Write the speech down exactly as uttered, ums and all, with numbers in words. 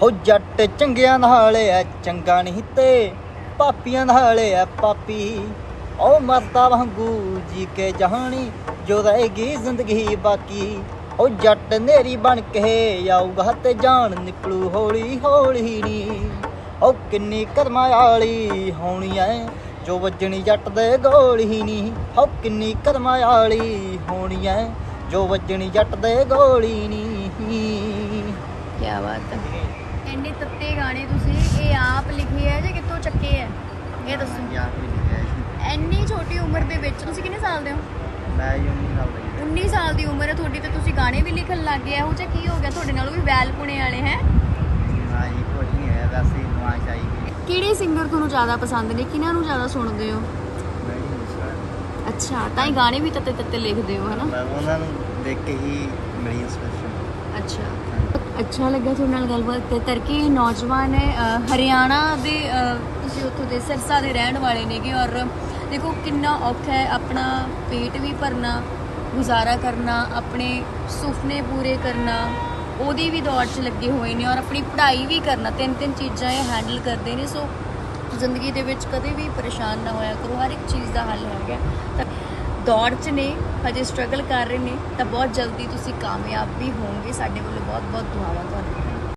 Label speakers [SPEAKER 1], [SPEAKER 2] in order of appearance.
[SPEAKER 1] ਹੋ ਜੱਟ ਚੰਗਿਆਂ ਨਾਲ ਐ ਚੰਗਾ ਨਹੀਂ ਤੇ ਪਾਪੀਆਂ ਨਾਲ ਐ ਪਾਪੀ। ਉਹ ਮਰਦਾ ਵਾਂਗੂ ਜੀ ਕੇ ਜਹਾਨੀ ਜੋ ਰਹੇਗੀ ਜ਼ਿੰਦਗੀ ਬਾਕੀ। ਉਹ ਜੱਟ ਨੇਰੀ ਬਣ ਕੇ ਆਊਗਾ ਤੇ ਜਾਨ ਨਿਕਲੂ ਹੌਲੀ ਹੌਲੀ ਨੀ। ਉਹ ਕਿੰਨੀ ਕਰਮਾਂ ਵਾਲੀ ਹੋਣੀ ਐ ਜੋ ਵੱਜਣੀ ਜੱਟ ਦੇ ਗੋਲੀ ਨੀ। ਉਹ ਕਿੰਨੀ ਕਰਮਾਂ ਵਾਲੀ ਹੋਣੀ ਐ ਜੋ ਵੱਜਣੀ ਜੱਟ ਦੇ ਗੋਲੀ ਨੀ।
[SPEAKER 2] ਕੀ ਬਾਤ ਹੈ। ਇੰਨੇ ਤੱਤੇ ਗਾਣੇ ਤੁਸੀਂ ਇਹ ਆਪ ਲਿਖੇ ਹੈ ਜਾਂ ਕਿੱਥੋਂ ਚੱਕੇ ਹੈ ਇਹ ਦੱਸੋ। ਇੰਨੀ ਛੋਟੀ ਉਮਰ ਦੇ ਵਿੱਚ ਤੁਸੀਂ ਕਿੰਨੇ ਸਾਲ ਦੇ ਹੋ?
[SPEAKER 1] ਮੈਂ ਉੱਨੀ ਸਾਲ ਦਾ।
[SPEAKER 2] ਉੱਨੀ ਸਾਲ ਦੀ ਉਮਰ ਹੈ ਤੁਹਾਡੀ ਤੇ ਤੁਸੀਂ ਗਾਣੇ ਵੀ ਲਿਖਣ ਲੱਗ ਗਏ। ਇਹੋ ਜਿਹਾ ਕੀ ਹੋ ਗਿਆ ਤੁਹਾਡੇ ਨਾਲ? ਵੀ ਵੈਲ ਪੁਣੇ ਵਾਲੇ ਹੈ?
[SPEAKER 1] ਹਾਂ ਜੀ, ਕੁਝ ਨਹੀਂ ਹੈ, ਵੈਸੇ ਨਵਾਜ਼ ਆਈ ਗਈ।
[SPEAKER 2] ਕਿਹੜੇ ਸਿੰਗਰ ਤੁਹਾਨੂੰ ਜ਼ਿਆਦਾ ਪਸੰਦ ਨੇ? ਕਿਹਨਾਂ ਨੂੰ ਜ਼ਿਆਦਾ ਸੁਣਦੇ ਹੋ? ਅੱਛਾ, ਤਾਂ ਹੀ ਗਾਣੇ ਵੀ ਤੱਤੇ ਤੱਤੇ ਲਿਖਦੇ ਹੋ ਹਨਾ?
[SPEAKER 1] ਮੈਂ ਉਹਨਾਂ ਨੂੰ ਦੇਖ ਕੇ ਹੀ ਮਿਲੀ ਇੰਸਪੀਰੇਸ਼ਨ।
[SPEAKER 2] ਅੱਛਾ, ਅੱਛਾ ਲੱਗਾ ਤੁਹਾਡੇ ਨਾਲ ਗੱਲਬਾਤ ਕਰਕੇ। ਨੌਜਵਾਨ ਹੈ ਹਰਿਆਣਾ ਦੇ, ਤੁਸੀਂ ਉੱਥੋਂ ਦੇ ਸਿਰਸਾ ਦੇ ਰਹਿਣ ਵਾਲੇ ਨੇਗੇ। ਔਰ ਦੇਖੋ ਕਿੰਨਾ ਔਖਾ ਹੈ ਆਪਣਾ ਪੇਟ ਵੀ ਭਰਨਾ, ਗੁਜ਼ਾਰਾ ਕਰਨਾ, ਆਪਣੇ ਸੁਪਨੇ ਪੂਰੇ ਕਰਨਾ, ਉਹਦੀ ਵੀ ਦੌੜ 'ਚ ਲੱਗੇ ਹੋਏ ਨੇ। ਔਰ ਆਪਣੀ ਪੜ੍ਹਾਈ ਵੀ ਕਰਨਾ, ਤਿੰਨ ਤਿੰਨ ਚੀਜ਼ਾਂ ਇਹ ਹੈਂਡਲ ਕਰਦੇ ਨੇ। ਸੋ ਜ਼ਿੰਦਗੀ ਦੇ ਵਿੱਚ ਕਦੇ ਵੀ ਪਰੇਸ਼ਾਨ ਨਾ ਹੋਇਆ ਕਰੋ, ਹਰ ਇੱਕ ਚੀਜ਼ ਦਾ ਹੱਲ ਹੈਗਾ। ਤਾਂ ਦੌੜ 'ਚ ਨੇ, ਹਜੇ ਸਟਰਗਲ ਕਰ ਰਹੇ ਨੇ, ਤਾਂ ਬਹੁਤ ਜਲਦੀ ਤੁਸੀਂ ਕਾਮਯਾਬ ਵੀ ਹੋਵੋਗੇ। ਸਾਡੇ ਵੱਲੋਂ ਬਹੁਤ ਬਹੁਤ ਦੁਆਵਾਂ ਤੁਹਾਨੂੰ।